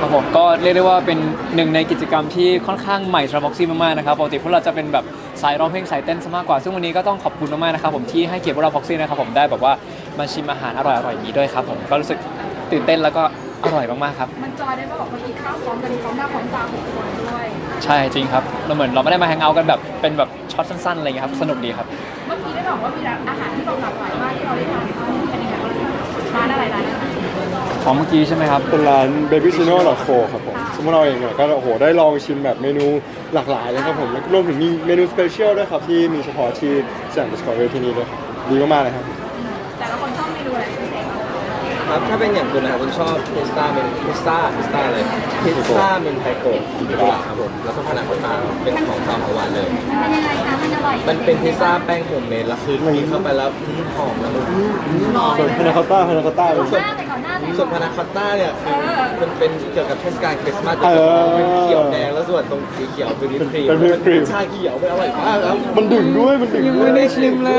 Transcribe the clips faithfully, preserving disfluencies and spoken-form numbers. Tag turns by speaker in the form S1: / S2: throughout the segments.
S1: ผมก็เรียกได้ว่าเป็นหนึ่งในกิจกรรมที่ค่อนข้างใหม่สำหรับบ็อกซี่มากๆนะครับปกติพวกเราจะเป็นแบบสายร้องเพลงสายเต้นซะมากกว่าซึ่งวันนี้ก็ต้องขอบคุณมากๆนะครับผมที่ให้เกียรติพวกเราบ็อกซี่นะครับผมได้แบบว่ามาชิมอาหารอร่อยๆอย่างนี้ด้วยครับผมก็รู้สึกตื่นเต้นแล้วก็อร่อยมากๆครับ
S2: มันจอยได้ป่ะบอกว่ากินข้าวพร้อมกันพร้อมหน้าพร้อมตาหกคนด้วย
S1: ใช่จริงครับเราเหมือนเราไม่ได้มาแฮงเอาท์กันแบบเป็นแบบช็อตสั้นๆอะไรอย่างเงี้ยครับสนุกดีครับ
S2: เมื่อกี้ได้บอกว่ามีร้านอาหารที่แบบหลากหลายมากที่เราได้ทานเป็นยังไงบ้างร้านอะไรร้านอะไร
S1: ของเมื่อกี้ใช่ไหมครับ
S3: เป็นร้าน baby chino dot co ครับผมซึ่งพวกเราเองเนี่ยก็โอ้โหได้ลองชิมแบบเมนูหลากหลายเลยครับผมแล้วรวมถึงมีเมนูสเปเชียลด้วยครับที่มีเฉพาะที่สยาม Discovery ที่นี่ด้วยครับดีมากๆเลยครับ
S2: แต่ละคนชอบเมนูอะไรพิเศษ
S4: ครับถ้าเป็นอย่างคุณนะครับคุณชอบพิซซ่าเป็นพิซซ่าพิซซ่าเลยพิซซ่าเป็นไทโกะครับผมแล้วก็พานาคอตต้าเป็นของข้าวของหวานเลย
S2: มันเป็นยังไงคะมันอร่อย
S4: มันเป็นพิซซ่าแป้งโฮมเมดแล้วคือกินเข้าไปแล้วหอมแล้วมัน
S3: ส่วนพานาคอตต้าพานาคอตต้าเป็นส่วน
S4: ส่วนพานาคอตต้าเนี่ยคือมันเป็นเกี่ยวกับเทศกาลคริสต์มาสจะเป็นเขียวแดงแล้วส่วนตรงสีเขียวเป็นวิปครีม
S3: เป็นวิปครีม
S4: ชาเขียวเป็นอร่อยมากครับ
S3: มันดึงด้วยมันดึง
S1: ยังไม่ได้ชิมเลย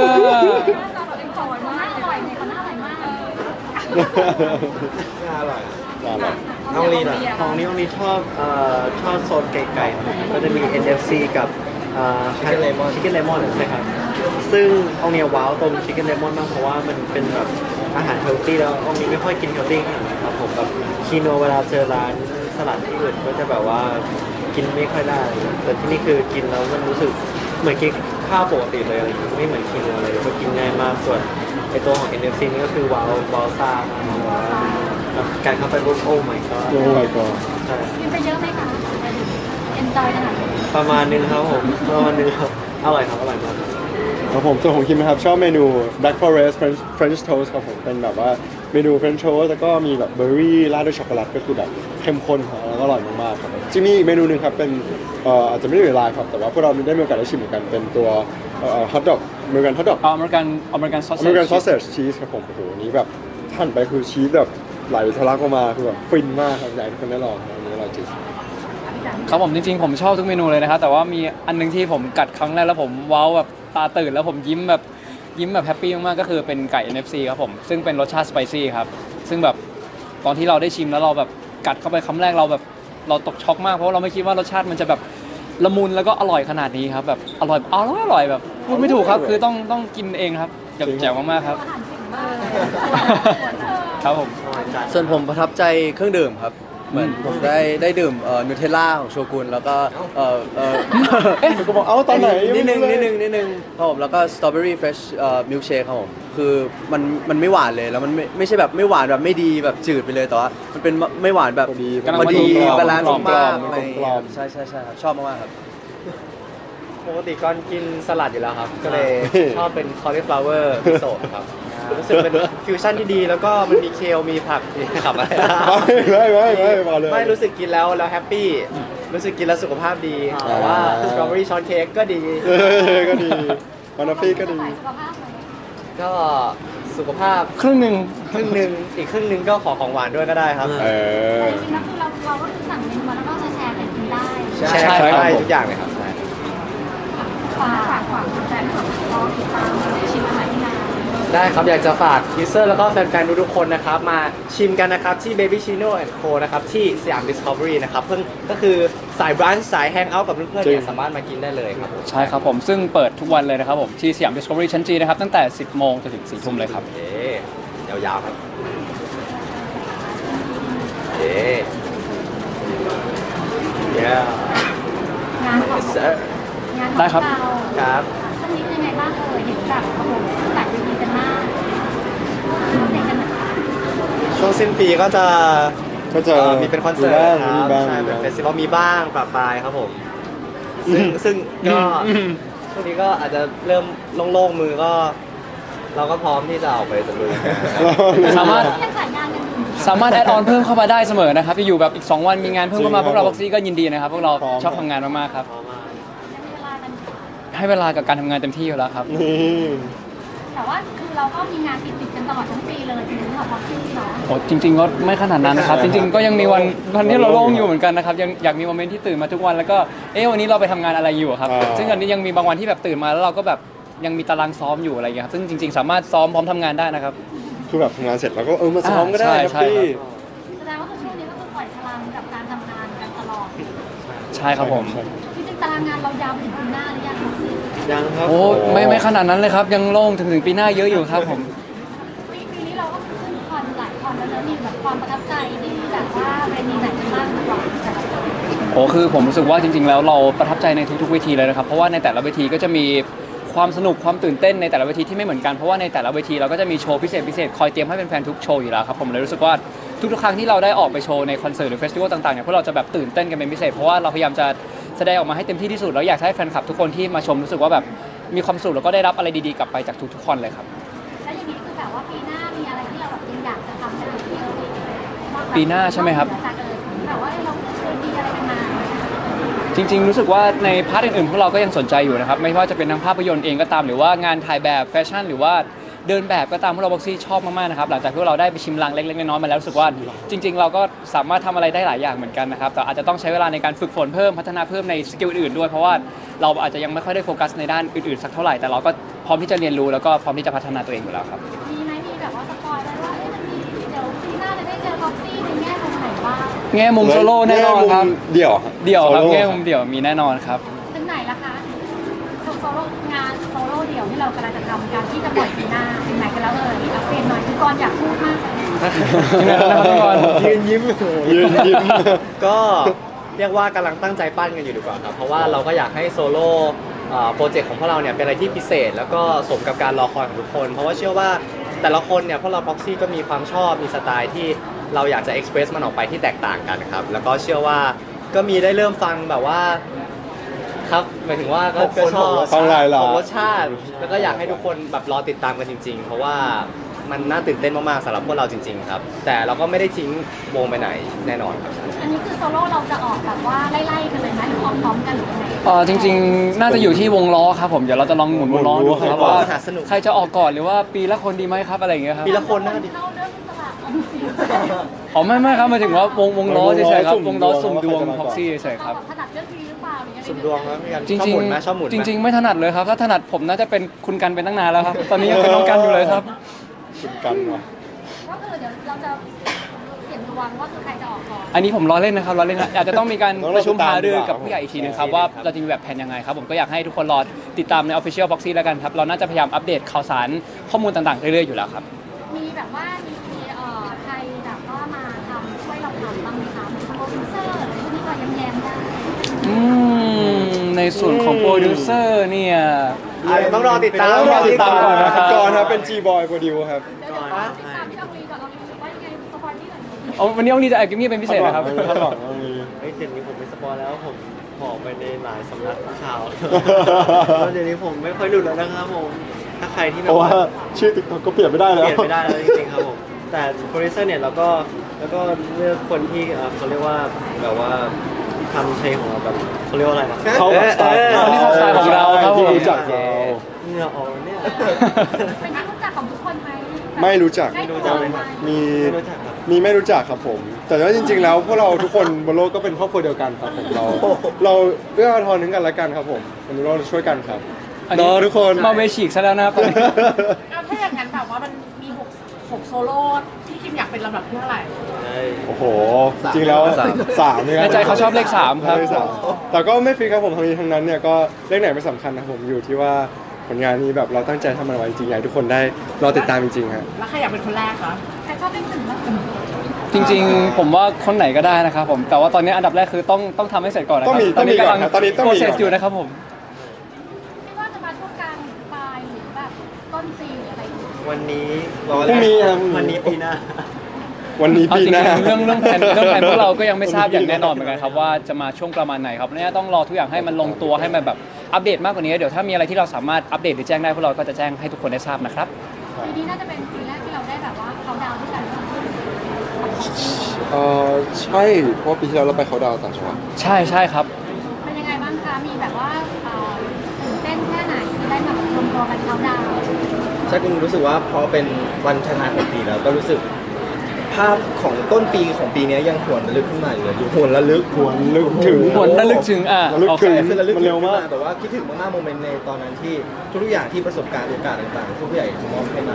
S4: น่าอร่อย
S3: น่าอร่อย
S4: น้องลีน่ะ
S5: ของนี้องนี้ชอบเอ่อชอบโซนไก่ๆนะครับก็จะมี เอ็น เอฟ ซี กับเอ่อ
S4: Chicken Lemon
S5: Chicken Lemon ใช่ครับซึ่งองนี้ว้าวตรง Chicken Lemon มากเพราะว่ามันเป็นแบบอาหารเฮลตี้แล้วองนี้ไม่ค่อยกินเฮลตี้ขนาดนั้นครับผมแบบคีโนเวลาเจอร้านสลัดที่อื่นก็จะแบบว่ากินไม่ค่อยได้แต่ที่นี่คือกินแล้วมันรู้สึกเหมือนกินข้าวปกติเลยอะไรอย่างเงี้ยไม่เหมือนคีโนเลยก็กินง่ายมากส่วนไอตัวของ เอ็น เอฟ ซี นี่ก็คือว้าวว้าวซ่ามากการเข้าไปรูปโอ้ my god
S3: โอ้ my god
S5: ใช่
S2: กินไปเยอะไหมคะเอ็นจอยขนาดไหน
S5: ประมาณนึงครับผมประมาณนึงครับอร่อยครับอร่อยมาก
S3: ครับผมส่วนของคิมนะครับชอบเมนู Black Forest French French Toast ครับผมเป็นแบบว่าเมนู French Toast แล้วก็มีแบบเบอร์รี่ราดด้วยช็อกโกแลตก็คือแบบเข้มข้นครับแล้วก็อร่อยมากๆครับจะมีอีกเมนูหนึ่งครับเป็นเอ่ออาจจะไม่ได้อยู่ไลน์ครับแต่ว่าพวกเราได้มีโอกาสได้ชิมเหมือนกันเป็นตัวเอ่อฮอทดอกอเมริกันฮอทดอก
S1: อเมริกันอเมริกันซอส
S3: อเมริกันซอสเซจชีสครับผมโอ้โหนี้แบบท่านไปคือชีสแบบไหลทะลักออกมาคือแบบฟินมากครับอยากให้ทุกคนได้ลองอันนี้อร่อยจริง
S1: ครับผมจริงๆผมชอบทุกเมนูเลยนะครับแต่ว่ามีอันนึงที่ผมกัดครั้งแรกแล้วผมว้าวแบบตาตื่นแล้วผมยิ้มแบบยิ้มแบบแฮปปี้มากๆก็คือเป็นไก่ เอ็น เอฟ ซี ครับผมซึ่งเป็นรสชาติสไปซี่ครับซึ่งแบบตอนที่เราได้ชิมแล้วเราแบบกัดเข้าไปคำแรกเราแบบเราตกช็อกมากเพราะเราไม่คิดว่ารสชาติมันจะแบบละมุนแล้วก็อร่อยขนาดนี้ครับแบบอร่อยอร่อยอร่อยแบบพูดไม่ถูกครับคือต้องต้องกินเองครับแจ๋วมากๆครับครับผม
S6: ส่วนผมประทับใจเครื่องดื่มครับเหมือนผมได้ได้ดื่มเอ่อนูเทลล่าของโชกุนแล้วก็เอ่อเอ่อ
S3: เอ๊ะก็บอกเอ้าตอนไหน
S6: นิดนึงนิดนึงนิดนึงครับผมแล้วก็สตรอเบอรี่เฟรชเอ่อมิลค์เชคครับผมคือมันมันไม่หวานเลยแล้วมันไม่ไม่ใช่แบบไม่หวานแบบไม่ดีแบบจืดไปเลยแต่ว่ามันเป็นไม่หวานแบบพอดีบาลานซ์มากใช่ใช่ใช่ครับชอบมากๆครับ
S5: ปกติก่อนกินสลัดอยู่แล้วครับก็เลยชอบเป็น cauliflower มิโซะครับรู้สึกเป็นฟิวชั่นที่ดีแล้วก็มันมีเคลมีผักครับอะไร
S3: ไม่ไม่ไม่มาเลย
S5: ไม่รู้สึกกินแล้วแล้วแฮปปี้รู้สึกกินแล้วสุขภาพดีแต่ว่าสตรอเบอรี่ช็อตเค้กก็ดี
S3: ก็ดีมานาฟี่ก็ดี
S5: ก็สุขภาพ
S1: ครึ่งหนึ่ง
S5: ครึ่งหนึ่งอีกครึ่งหนึ่งก็ขอของหวานด้วยก็ได้ครับ
S3: เออ
S2: จริงๆแล้วคือเราเราก็คือสั่งเมนูมาแล้วก็จะแชร์กันกินได้
S5: แชร์ได้ทุกอย่างเลยครับ
S2: ฝากฝากฝากแฟนคลับรอติดตามชิมอาหารที่ร้าน
S5: ได้ครับอยากจะฝากยูเซอร์แล้วก็แฟนๆทุกๆคนนะครับมาชิมกันนะครับที่ Baby Chino and Co นะครับที่สยาม Discovery นะครับเพิ่งก็คือสายบรันช์สายแฮงเอาท์กับเพื่อนๆเนี่ยสามารถมากินได้เลยครับ
S1: ใช่ครับผมซึ่งเปิดทุกวันเลยนะครับผมที่สยาม Discovery ชั้นจีนะครับตั้งแต่สิบโมงจนถึงสี่ทุ่มเลยครับ
S4: เอ๊ยาวๆครับเอ๊
S2: ยงานของงานของเรา
S5: ครับ
S2: สักนิดยังไงบ้างเอ่ยเห็นแบบโอ้โหจัดดีกันมากเด็กกันนะคะ
S5: ช่วงสิ้นปีก็จะ
S3: ก็จะ
S5: มีเป็นคอนเสิร์ตครับใช่เป็นเฟสติวัลมีบ้างปะปายครับผมซึ่งซึ่งก็ช่วงนี้ก็อาจจะเริ่มโล่งๆมือก็เราก็พร้อมที่จะออกไปตะลุย
S1: สามารถสามารถแอดออนเพิ่มเข้ามาได้เสมอนะครับอยู่แบบอีกสองวันมีงานเพิ่มเข้ามาพวกเราบ็อกซี่ก็ยินดีนะครับพวกเราชอบทำงานมากๆครับให้เวลากับการทำงานเต็มที่อยู่แล้วครับ
S2: แต่ว่าคือเราก็มีงานติดๆกันตลอดทั้งปีเลยจริงๆของบ็อกซี่เนาะ
S1: โอ้จริงๆก็ไม่ขนาดนั้นนะครับจริงๆก็ยังมีวันวันที่เราโล่งอยู่เหมือนกันนะครับยังอยากมีโมเมนต์ที่ตื่นมาทุกวันแล้วก็เอ๊ะวันนี้เราไปทำงานอะไรอยู่ครับซึ่งอันนี้ยังมีบางวันที่แบบตื่นมาแล้วเราก็แบบยังมีตารางซ้อมอยู่อะไรอย่างเงี้ยครับซึ่งจริงๆสามารถซ้อมพร้อมทำงานได้นะครับ
S3: คือแบบทำงานเสร็จแล้วก็เออมาซ้อมก็ได้ครับพี่
S2: แสดงว่าคือช่วงนี้ก็คือปล่อยพลังกับการท
S1: ช่ครับผม
S2: จริงๆตารางงานเรายาวไปถึงปีหน้าหรือยังคะ
S5: ยังครับ
S1: โอ้ไม่ไม่ขนาดนั้นเลยครับ ยังโล่งถึงถึงปีหน้าเยอะอยู่ครับผม
S2: ปีปีนี้เราก็ขึ้นคอนหลายคอนแล้วนะมีแบบความประทับใจที่แบบว่าเวทีไหนกันบ้างดีกว่าแต่ละคน
S1: โอ้คือผมรู้สึกว่าจริงๆแล้วเราประทับใจในทุกๆเวทีเลยนะครับเพราะว่าในแต่ละเวทีก็จะมีความสนุกความตื่นเต้นในแต่ละเวทีที่ไม่เหมือนกันเพราะว่าในแต่ละเวทีเราก็จะมีโชว์พิเศษพิเศษคอยเตรียมให้แฟนๆทุกโชว์อยู่แล้วครับผมเลยรู้สึกว่าทุกๆครั้งที่เราได้ออกไปโชว์ในคอนเสิร์ตหรือเฟสติวัลต่างๆเนี่ยพวกเราจะแบบตื่นเต้นกันเป็นพิเศษเพราะว่าเราพยายามจะแสดงออกมาให้เต็มที่ที่สุดแล้วอยากให้แฟนคลับทุกคนที่มาชมรู้สึกว่าแบบมีความสุขแล้วก็ได้รับอะไรดีๆกลับไปจากทุกๆคนเลยครับ
S2: แล้วอย่างนี้คือแบบว่าปีหน้ามีอะไรที่เราแบบยังอยากจะทำกันอีกไหม
S1: ปีหน้าใช่ไหมครับ
S2: จากเออแบบว่าเราเคยมีอะไรกันมา
S1: จริงๆรู้สึกว่าในพาร์ทอื่นๆพวกเราก็ยังสนใจอยู่นะครับไม่ว่าจะเป็นทั้งภาพยนตร์เองก็ตามหรือว่างานถ่ายแบบแฟชั่นหรือว่าเดินแบบก็ตามพวกเราบ็อกซี่ชอบมากๆนะครับหลังจากที่เราได้ไปชิมลางเล็กๆน้อยๆมาแล้วรู้สึกว่าจริง ๆ เราก็สามารถทำอะไรได้หลายอย่างเหมือนกันนะครับแต่อาจจะต้องใช้เวลาในการฝึกฝนเพิ่มพัฒนาเพิ่มในสกิลอื่นๆด้วยเพราะว่าเราอาจจะยังไม่ค่อยได้โฟกัสในด้านอื่นๆสักเท่าไหร่แต่เราก็พร้อมที่จะเรียนรู้แล้วก็พร้อมที่จะพัฒนาตัวเองอยู่แล้วครับ
S2: มีไหมมีแบบว่าสปอยล์ไว้ว่าเอ๊ะมันมีเดี๋ยวปีหน้าจะได้เจอบ็อกซี่ในแง่มุมไหนบ้าง
S1: แง่มุมโซโล่แน่นอนครับ
S3: เดี่ยว
S1: เดี่ยวครับ
S3: โซโล่
S1: แง่มุมเดี่ยวมีแน่นอนครับ
S2: ถึงไหนละคะโซโซโล่งานโซโล่เดี่ยวที่เรากำลังจะทำการที่จะปล่อยปีหน้าถึงไหนกันแล้วเอ่ยเอาเปลี่ยนหน่อยคือกรอยากพูดมากเลย
S5: ยืนยิ้ม
S3: ยืนยิ้ม
S5: ก็เรียกว่ากำลังตั้งใจปั้นกันอยู่ดีกว่าครับ เพราะว่าเราก็อยากให้โซโล่เอ่อโปรเจกต์ของพวกเราเนี่ยเป็นอะไรที่พิเศษ แล้วก็สมกับการรอคอยของทุกคน เพราะว่าเชื่อว่าแต่ละคนเนี่ยพวกเราพ็อกซี่ก็มีความชอบมีสไตล์ที่เราอยากจะเอ็กซ์เพรสมันออกไปที่แตกต่างกันครับแล้วก็เชื่อว่าก็มีได้เริ่มฟังแบบว่าครับหมายถึงว่าก็ก็ชอบ
S3: ฟังหลายหลาย
S5: ของรสชาติ แล้วก็อยากให้ทุกคนแบบรอติดตามกันจริง ๆ เพราะว่ามันน่าตื่นเต้นมากๆสำหรับพวกเราจริง ๆ ครับ แต่เราก็ไม่ได้ทิ้งวงไปไหนแน่นอนครับ
S2: อันนี้คือโซโล่เราจะออกแบบว่าไล่ๆกันเลยไหมหรือออกพร้อมกันหรือยังไง
S1: เออจริงๆ น่าจะอยู่ที่วงล้อครับผมเดี๋ยวเราจะลองหมุนวงล้อดูครับว่า
S5: หาสนุก
S1: ใครจะออกก่อนหรือว่าปีละคนดีไหมครับอะไรอย่างเงี้ยครับ
S5: ปีละคนน่าดี
S2: เข้าเรื่องสลับออมสิน
S1: อ๋อไม่ไม่ครับหมายถึงว่าวงวงล้อเฉยๆครับวงล้อสุ่มดวง
S3: ว่าใครจะมาก่อน
S1: พ็อกซี่เฉยๆครับ
S2: เราถนัดเรื่องนี้หรือเปล่าหรือยังไง
S5: สุ่มดวงครับพี่กัน
S1: จริง
S5: ชอบหมุนไหมชอบหมุนไหม
S1: ๆจริง ๆ ไม่ถนัดเลยครับถ้าถนัดผมน่าจะเป็นคุณกันเป็นตั้งนานแล้วครับตอนนี้ยังเป็นน้องกันอยู่เลยครับ
S3: คุณกันว่ะ
S2: ก็คือเดี๋ยวเราจะเสี่ยงดวงว่าคือใครจะออกก่อน
S1: อันนี้ผมล้อเล่นนะครับล้อเล่นนะอาจจะต้องมีการ
S3: ต้องรอ
S1: ประชุมหารือ
S3: ติดตามดีกว่า
S1: กับผู้ใหญ่อีกทีนึงครับว่าเราจะมีแบบแผนยังไงครับผมก็อยากให้ทุกคนรอติดตามใน Official Boxy แล้วกันครับเราน่าจะพยายามอัปเดตข่าวสารข้อมูลต่างๆเรื่อยๆอยู่แล้วครับ
S2: มีแบบว่ามีเอ่อใครแบบว่ามาทำช่วยเราทำบ้างไหมคะเหมือนโปรดิวเซอร์หรือพวกนี้ก็ยังแยมๆได้
S1: อืมในส่วนของโปรดิวเซอร์เนี่ย
S5: อาจจะต้องรอติดตาม
S3: ต้องรอติดตามก่อนนะค
S1: ครั
S3: รับบ ก่อนครับเป็น G-Boy โปรดิวครับ
S2: เดี๋ยวเดี๋ยวขอติดตามพี่อองลีก่อนอองลีว่ายังไงสปอยที่หน่อย
S1: เอาวันนี้องลีจะแอบกิมมี่เป็นพิเศษนะครับ
S3: คาดหวังว่ามี
S5: เฮ้ยเดี๋ยวนี้ผมไม่สปอยแล้วผมบอกไปในหลายสำนักข่าว แล้วเดี๋ยวนี้ผมไม่ค่อยหลุดแล้วนะครับผมถ้าใครที่แบ
S3: เพ
S5: บ
S3: ราะว่า
S5: ว่า
S3: ชื่อติ๊กต็อกก็เปลี่ยนไม่ได้
S5: เป
S3: แล้ว
S5: ลี่ยนไม่ได้แล้วจริงๆครับผมแต่โปรดิวเซอร์เนี่ยเราก็แล้วก็เลือกคนที่เอ่อเขาเรียกว่าแบบว่าทำเพลงของเราแบบเขาเรียกว่าอะไรนะ
S3: เข้ากับสไตล์
S1: คนที่เข้าสไตล์ของเราครับผม
S3: ที่รู้จักเรา
S5: เหงื่อออกเนี่ย
S2: เป็นที่รู้จักของทุกคนไหม
S3: ไม่รู้จัก
S2: ไม่รู้
S5: จั
S2: จั
S5: ก
S2: ก
S5: เลย
S2: ไหม
S5: ครับ
S3: มี
S5: ไม่รู้จักครับ
S3: มีไม่รู้จักครับผม แต่ว่าจริง ๆ แล้วพวกเราทุกคนบนโลกก็เป็นครอบครัวเดียวกันครับผมเราเราเอื้ออาทรถึงกันและกันครับผมวันนี้เราช่วยกันครับ
S1: อันนี้
S3: เนาะทุกคน
S1: มาเวฉีกซะแล้วนะครับ
S7: เอาถ้าอย่างนั้นแบบว่ามันมีหกหกโซโล่ที่คิมอยากเป็นลำดับที่เท่าไหร่
S3: โอ้โห จริงๆแล้วสามเนี่ย
S1: ในใจเขาชอบเลขสามครับ
S3: เลขสามแต่ก็ไม่ฟิกครับผมทั้งนี้ทั้งนั้นเนี่ยก็เลขไหนไม่สำคัญนะครับผมอยู่ที่ว่าผลงานนี้แบบเราตั้งใจทำมันไว้จริงๆอยากให้ทุกคนได้รอติดตามจริงๆครับ
S7: แล้วใครอยากเป็นคนแรกคะ
S2: ใครชอบเล่นหนึ่งบ้าง
S1: จริงๆ ผมว่าคนไหนก็ได้นะครับผมแต่ว่าตอนนี้อันดับแรกคือต้องต้องทำให้เสร็จก่อนนะค
S3: ต้
S1: รั
S3: องมี
S1: ตอนนี้
S3: ต้องมีก่อน
S1: กำลัง
S3: ครับตอนนี้ต้องมี
S1: โปรเซส
S3: ก่อน
S1: อยู่นะครับผม
S2: ไม่ว่าจะมาช่วงกลางปลายหรือแบบต้นปีหรืออะไรอย่างเงี้ย
S5: วันนี้
S3: พรุ่งนี้ครับ
S5: วันนี้ปีหน้า
S3: วันนี้
S1: เอา
S3: ปี
S1: จริ
S3: หน้า
S1: งๆเรื่องเรื่องแผนเรื่องแผนพวกเราก็ยังไม่ทราบอย่างแน่นอนเหมือนกันครับว่าจะมาช่วงประมาณไหนครับเนี่ยต้องรอทุกอย่างให้มันลงตัวให้มันแบบอัปเดตมากกว่านี้เดี๋ยวถ้ามีอะไรที่เราสามารถอัปเดตหรือแจ้งได้พวกเราก็จะแจ้งให้ทุกคนได้ทราบนะครับ
S2: ปีนี้น่าจะเป็นปีแรกที่เราได้แบบว่าเขาดาวน์ด้วยกัน
S3: เออใช่เพราะปีที่แล้วเราไปเขาดาวน์ต่างจังหวัด
S1: ใช่ใช่ครับ
S2: เป็นยังไงบ้างคะมีแบบว่าเอ่อตื่นเต้นแค่ไหนที่ได้มาแบบรวมตัวกันเขาดาวน์
S4: ใช่คุณรู้สึกว่าพอเป็นวันชนะของปีแล้วก็รู้สึกภาพของต้นปีของปีนี้ยังหวนระลึกขึ้นมาอยู่เลยหวนระลึก
S3: หวนลึกถึง
S1: หวนระลึกถึงอ่ะ
S3: ระลึก
S1: โอเค
S3: ถึง
S4: คือระลึก
S3: มันเร็วมาก
S4: ขึ้นแต่ว่าคิดถึงมากๆโมเมนต์ในตอนนั้นที่ทุกๆอย่างที่ประสบการณ์โอกาสต่างๆที่ผู้ใหญ่มอบให้มา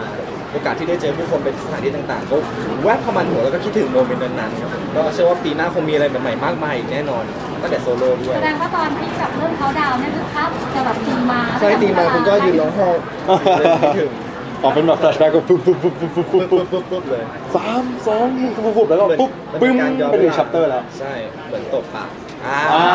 S4: โอกาสที่ได้เจอผู้คนไปสถานที่ต่างๆก็แวบเข้ามาในหัวแล้วก็คิดถึงโมเมนต์นั้นๆครับผมก็เชื่อว่าปีหน้าคงมีอะไรใหม่ๆมากมายอีกแน่นอนตั้งแต่โซโล่ด้ว
S2: แส
S4: ย
S2: ดงว่าตอนที่แบบเริ่มเขาดาวน์เนี่ยคือภาพจะแบบตีมา
S4: ใช่ตีมาคุณก็ยืนร้องไห้เลยคิดถึง
S3: ออกเป็นแบบแฟลชแบ็กก็ปุ๊บปุ๊บปุ๊บปุ๊บปุ๊บ
S4: ปุ๊
S3: ปุ๊
S4: บบ ปุ๊บปุ๊บปุ๊บเลย
S3: สามสองหนึ่งปุ๊บปุ๊บแล้วก็ปุ๊บปึ้มไปถึงชัปเตอร์แล้ว
S4: ใช่เหมือนตบปากอ่า
S3: อ่า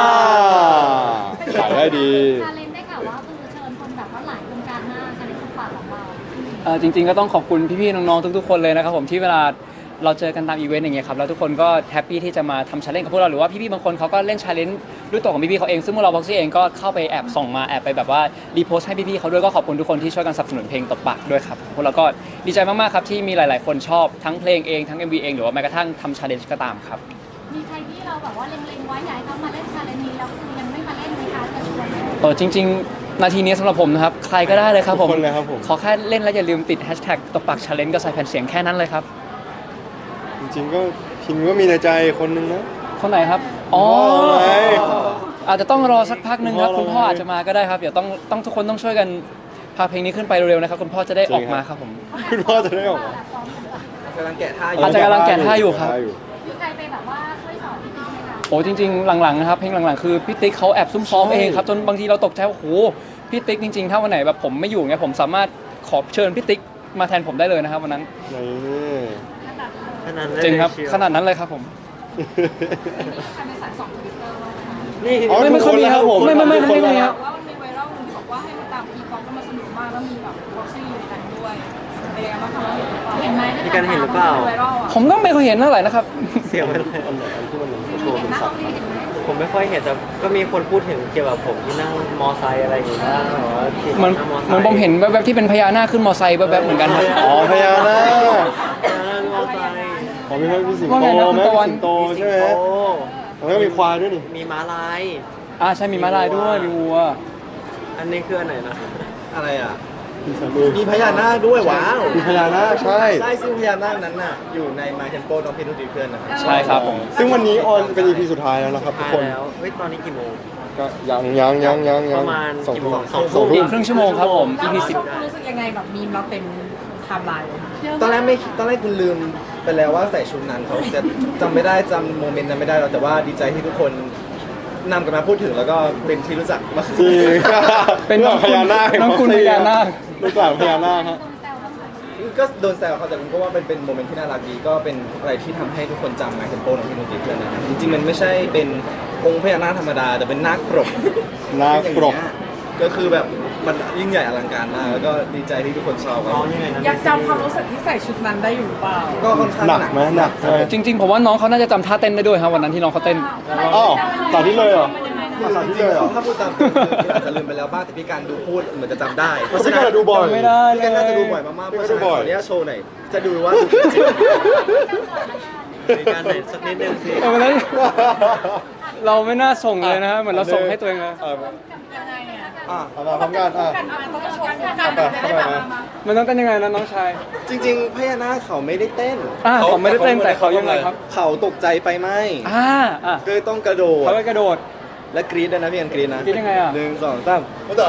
S3: ขายได้ดี
S2: ชาเลนจ์ได้ข่าวว่าคือเชิญคนแบบว่าหลายวงการมากชาเลนจ์คนปากของเรา
S1: เอ่อจริงๆก็ต้องขอบคุณพี่ๆน้องๆทุกๆคนเลยนะครับผมที่เวลาเราเจอกันตามอีเวนต์อย่างเงี้ยครับแล้วทุกคนก็แฮปปี้ที่จะมาทำชาเลนจ์กับพวกเราหรือว่าพี่ๆบางคนเขาก็เล่นชาเลนจ์ด้วยตัวของพี่ๆเขาเองซึ่งพวกเราบ็อกซี่เองก็เข้าไปแอบส่องมาแอบไปแบบว่ารีโพสต์ให้พี่ๆเขาด้วยก็ขอบคุณทุกคนที่ช่วยกันสนับสนุนเพลงตบปากด้วยครับพวกเราก็ดีใจมากๆครับที่มีหลายๆคนชอบทั้งเพลงเองทั้ง เอ็ม วี เองหรือว่าแม้กระทั่งทำชาเลนจ์ก็ตามครับ
S2: มีใครที่เราแบบว่าเล็งๆไว้อยากให้เขามาเล่นชาเลนจ์นี้แล้วคือยังไม่มาเล่นไหมคะจะชวนไหม
S1: เออจริงๆ นาทีนี้สำหรับผมนะครับ ใครก็ได้เลยครับผม
S3: ทุกคนเลยครับผม
S1: ขอแค่เล่นแล้วอย่าลืมติดแฮชแท็กตบปากชาเลนจ์ก็ใส่แผ่นเสียงแค่นั้นเลยครับ
S3: จริงๆก็พิมก็มีในใจคนนึงนะ
S1: คนไหนครับ อ๋อ
S3: คุณพ่อไง
S1: อาจจะต้องรอสักพักหนึ่งครับ
S3: คุ
S1: คุณ
S3: ณพ่
S1: พ่อ
S3: อ
S1: อาจจะมาก็ได้ครับ เดี๋ยวต้องต้องทุกคนต้องช่วยกันพาเพลงนี้ขึ้นไปเร็วๆนะครับ คุณพ่อจะได้ออกมาครับผม
S3: คุณพ่อจะได้ออกมา
S4: กำลังแกะท่าอยู่
S1: อาจจะกำลังแกะท่าอยู่ครับ
S2: มีใครไปแบบว่าช่วยสอนพี่ติ๊กไหมคะ
S1: โอ้จริงๆหลังๆนะครับเพลงหลังๆคือพี่ติ๊กเขาแอบซุ่มซ้อมเองครับจนบางทีเราตกใจว่าโอ้โหพี่ติ๊กจริงๆถ้าวันไหนแบบผมไม่อยู่เงี้ยผมสามารถขอเชิญพี่ติ๊กมาแทนผมได้เลยนะครับวันนั้น
S3: นี่
S5: ขนาดนั้น
S1: จริงครับ
S5: เลยเชียว
S1: ขนาดนั้นเลยครับผม
S7: ใครไปสายสองทวิตเตอร์บ้างคะ
S5: นี่
S3: อ๋อ
S1: ไม่ไม่ค่อยมีครับ
S3: ทุกคน
S1: ไม่ไม่ไม่
S3: ทุกคน
S1: ไม่มี
S3: เลย
S1: ครับ
S7: ว่ามันมีไวรัลหนึงที่บอกว่าให้มาตามพีป๊อปก็มาสนุกมากแล้วมีแบบบ็อกซี่อยู่ในนั้นด้วยเป็นยังไงบ้างคะเราเห็นหรือเปล่า
S2: เห็นไหม
S5: มีการเห็นหรือเปล่า
S7: ไวรัลอ่ะ
S1: ผมก็ไม่เคยเห็นเท่าไหร่นะครับ
S5: เสียงไปเลย
S3: อันไหนอันที่มันโชว์
S2: เห็
S3: เป็น น
S2: หน้า
S3: สั
S2: ห้
S3: ต
S2: อง
S3: ว์
S2: นี้เห็นไหม
S5: ผมไม่ค่อยเห็นแต่ก็มีคนพูดถึงเกี่ยวกับผมที่นั่งมอไซค์อะไรอย่างเงี้ยแบบว่าขี่
S1: เหมือน
S5: ง
S1: เหมือนผมเห็นแวบๆที่เป็นพญานาคขึ้นมอไซค์แวบๆเหมือนกันครับ
S3: อ๋อพญานาค
S5: นั่งมอไซค์
S3: อ๋อมีไหมมีสิง
S1: ว่า
S3: โต
S1: ไงนะคุณ
S3: ไหม
S1: ตะวัน
S3: สิงโต
S5: มีสิ
S3: ใช่
S5: ง
S3: ไหม
S5: โต
S3: แล้วก็มีควายด้วยนี่
S5: มีม้าลาย
S1: อ่าใช่มีม้าลายด้วยมีวัว
S5: อันนี้คืออันไหนนะ
S4: อะไรอ่ะ
S3: มีสามมือ
S4: มีพญานาคด้วยว้าว
S3: มีพญานาคใช่
S4: ใช่ซึ่งพญานาคนั้นน่ะอยู่ใน My Tempo น้องเพชรนุดีเพื่อนนะครับ
S1: ใช่ครับผม
S3: ซึ่งวันนี้ออนเป็น อี พี สุดท้ายแล้วนะครับทุก
S5: ทาย
S3: คน
S5: แล้วเฮ้ยตอนนี้กี่โมง
S3: ก็ยังยังยังยังยั
S5: ป
S3: ง
S5: ระมาณ
S3: สอง
S5: กี่
S3: ทุ่
S5: โม
S3: ม
S5: งสอง
S3: สอง
S5: ทุ่
S3: ทุ่
S5: ม
S3: ม
S1: ครึ่งชั่วโมงครับผม
S7: แล้ว
S1: อี พี สิบ
S7: เรารู้สึกยังไงแบบมีมเราเต็มไทม์ไลน์เลย
S4: ตอนแรกไม่ตอนแรกคุณลืมไปแล้วว่าใส่ชุดนั้นเขาจะจำไม่ได้จำโมเมนต์นั้นไม่ได้หรอกแต่ว่าดีใจที่ทุกคนนำกันมาพูดถึงแล้วก็เป็นที่รู้จักมาก
S3: จริง
S1: เป็น
S3: รื่องพญานาค
S1: น้องคุณพญานาค
S3: ลูกหลานพญานาคฮะ
S2: โดนแซวบ้างไหม
S4: ก็โดนแซวเขาแต่ผมก็ว่าเป็นเป็นโมเมนต์ที่น่ารักดีก็เป็นอะไรที่ทำให้ทุกคนจำ My Tempo น้องเพชรนุดีเพื่อนนะครับจริงๆมันไม่ใช่เป็นองค์พญานาคธรรมดา แต่เป็นนาคปรก
S3: นาคปรก
S4: อย่างเงี้ยก็คือแบบมันยิ่งใหญ่อลังการมากแล้วก็ดีใจที่ทุกคนชอบครับ
S5: น้องยังไงนะ
S7: อยากจำความรู้สึกที่ใส่ชุดนั้นได้อยู่หรือเปล่า
S4: ก็ค่อนข้าง
S3: หนักไหมหนักใช่ไหม
S1: จริงๆผมว่าน้องเขาน่าจะจำท่าเต้นได้ด้วยครับวันนั้นที่น้องเขาเต้น
S3: อ้าวต่อที่เลยเหรอ
S4: คือจริงๆถ้าพูดตามตรงคืออาจจะลืมไปแล้วบ้างแต่พี่การดูพูดเหมือนจะจำได้
S3: เพราะฉะนั้นดูบ่อย
S1: ไม่ได้
S4: พี่การน่าจะดูบ่อยมากๆเพราะฉะนั้นขออนุญาตโชว์หน่อยจะดูว่าดูจริง
S5: มีการไหนสักนิดนึงสิ
S1: เออวันนั้นเราไม่น่าส่งเลยนะฮะเหมือนเราส่งให้ตัวเองเลย
S3: เออ
S7: ยังไงอ่ะ
S3: อ่ะเอามาพร้อมกันอ่ะ
S7: กันมาต้องโชว์กัน
S3: เข้าไปเข้าไปนะ
S1: มันต้องเต้นยังไงนะน้องชาย
S4: จริงๆพญานาคเขาไม่ได้เต้น
S1: อ่าเขาไม่ได้เต้นแต่เขายังไงครับ
S4: เขาตกใจไฟไหม้
S1: อ่าอ่ะ
S4: ก็เลยต้องกระโดด
S1: เขาไปกระโดด
S4: และกรี๊ดด้วยนะพี่กันกรี๊ดนะ
S1: กรี๊ดยังไงอ่ะ
S4: หนึ่งสองสามต่อ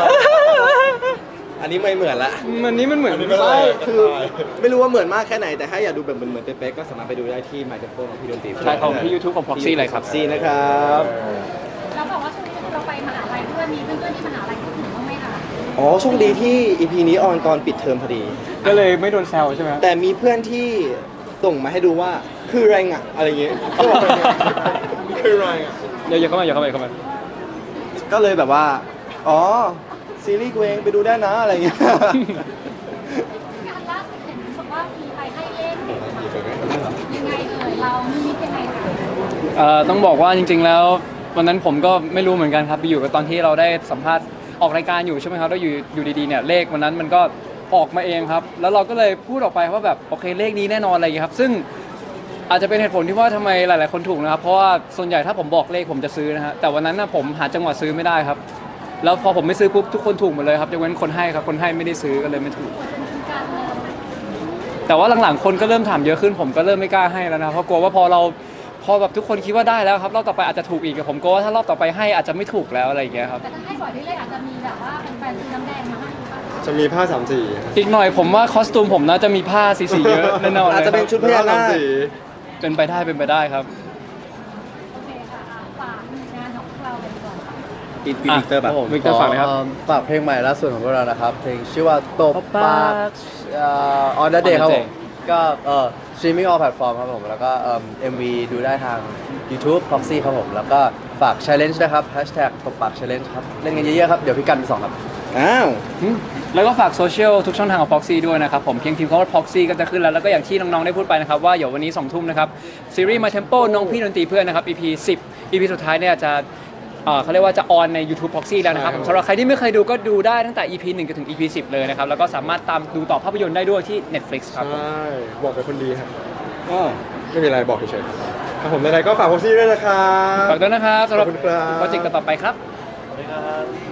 S4: อันนี้ไม่เหมือนละ
S1: มันนี้มันเหมือน
S4: ใช่คือไม่รู้ว่าเหมือนมากแค่ไหนแต่ถ้าอยากดูแบบเหมือนเหมือนเป๊ะๆก็สามารถไปดูได้ที่ My Tempo ของพี่ดนตรี
S1: ใช่ของที่ YouTube ของ Proxy เลยครับ
S4: ซีนะครับ
S2: เราบอกว่าช่วงนี้เราไปมหาลัยด้วยมีเพื่อนๆที่มหาลัยพูดถึงบ้างไหมคะ
S4: อ๋อโชคดีที่ อี พี นี้ออนตอนปิดเทอมพอดี
S1: ก็เลยไม่โดนแซวใช่ไหม
S4: แต่มีเพื่อนที่ส่งมาให้ดูว่าคืออะไรอ่ะอะไรเงี้ยก็บอกไปเนี่ยคืออะไรอ่ะ
S1: เดี๋ยวอย่าเข้ามาอย่าเข้ามาอย่าเข้ามา
S4: ก็เลยแบบว่า อ๋อ ซีรีส์กูเองไปดูได้นะอะไรเงี้ย
S2: งานล่าสุดเห็นรู้สึกว่ามีไปให้เล่นยังไงเอ่ยเรามีมิตยังไงคะ
S1: เอ่อต้องบอกว่าจริงๆแล้ววันนั้นผมก็ไม่รู้เหมือนกันครับไปอยู่กับตอนที่เราได้สัมภาษณ์ออกรายการอยู่ใช่ไหมครับแล้วอยู่อยู่ดีๆเนี่ยเลขวันนั้นมันก็ออกมาเองครับแล้วเราก็เลยพูดออกไปว่าแบบโอเคเลขนี้แน่นอนอะไรอย่างเงี้ยครับซึ่งอาจจะเป็นเหตุผลที่ว่าทำไมหลายๆคนถูกนะครับเพราะว่าส่วนใหญ่ถ้าผมบอกเลขผมจะซื้อนะฮะแต่วันนั้นนะผมหาจังหวะซื้อไม่ได้ครับแล้วพอผมไม่ซื้อปุ๊บทุกคนถูกหมดเลยครับยกเว้นคนให้ครับคนให้ไม่ได้ซื้อก็เลยไม่ถูก
S2: การเลย
S1: แต่ว่าหลังๆคนก็เริ่มถามเยอะขึ้นผมก็เริ่มไม่กล้าให้แล้วนะเพราะกลัวว่าพอเราพอแบบทุกคนคิดว่าได้แล้วครับรอบต่อไปอาจจะถูกอีกผมกลัวว่าถ้ารอบต่อไปให้อาจจะไม่ถูกแล้วอะไรอย่างเงี้ยครับ
S2: แต่ถ้าให้บ่อยเรื่อยๆอาจจะมีแบบว่าเป็นแฟนซื้อน้ำแดงมาให้หรือเปล่า
S3: จะมีผ้าสามสี
S1: อีกหน่อยผมว่าคอสตูมผมน่าจะมีผ้าสีๆเยอะแน่นอนเลย
S6: อาจจะเป็นชุดพญานาค
S3: ผ้สมสี
S1: เป็นไปได้เป็นไปได้ครับ
S2: โอเคค่ะอ่ะฝากงานของเราเลยดีกว่า
S6: อีกวิกเตอร์แบบ
S1: วิกเตอร์ฝากเลยครับ
S6: ฝากเพลงใหม่ล่าสุดของพวกเรานะครับ เพลงชื่อว่าตบ
S1: ตบปา
S6: ปาก กเอ่อ on the day
S1: On the
S6: ครับผ
S1: Day
S6: มก็เอ่อ streaming all platform ครับผม แล้วก็เอ่อ เอ็ม วี ดูได้ทาง YouTube Proxy ครับผม แล้วก็ฝาก challenge นะครับ hashtag ตบปาก challenge ครับ เล่นกันเยอะๆครับ เดี๋ยวพี่กันไปสองครับ
S4: อ้าว
S1: อืมแล้วก็ฝากโซเชียลทุกช่องทางของ Proxy ด้วยนะครับผมเพียงพิมพ์คำว่า Proxy ก็จะขึ้นแล้ว แล้วก็อย่างที่น้องๆได้พูดไปนะครับว่าเดี๋ยววันนี้สองทุ่มนะครับซีรีส์ My Tempo น้องพี่ดนตรีเพื่อนนะครับ อี พี สิบ อี พี สุดท้ายเนี่ยจะเอ่อเขาเรียกว่าจะออนใน YouTube Proxy แล้วนะครับผมสำหรับใครที่ไม่เคยดูก็ดูได้ตั้งแต่ อี พี หนึ่งจนถึง อี พี สิบ เลยนะครับแล้วก็สามารถตามดูต่อภาพยนตร์ได้ด้วยที่ Netflix ครับผม
S3: ใช่บอกเป็นคนดีครับอ๋อไม่มีอะไรบอกเฉยๆครับครับผมในๆก็ฝากพ็อกซี่ด้วยนะครับ
S1: ฝากด้วยนะครับสำหรับ
S3: ขอบคุณครับ
S1: โปรเจกต์ต่อๆไปครับ
S5: สวัสดีครับ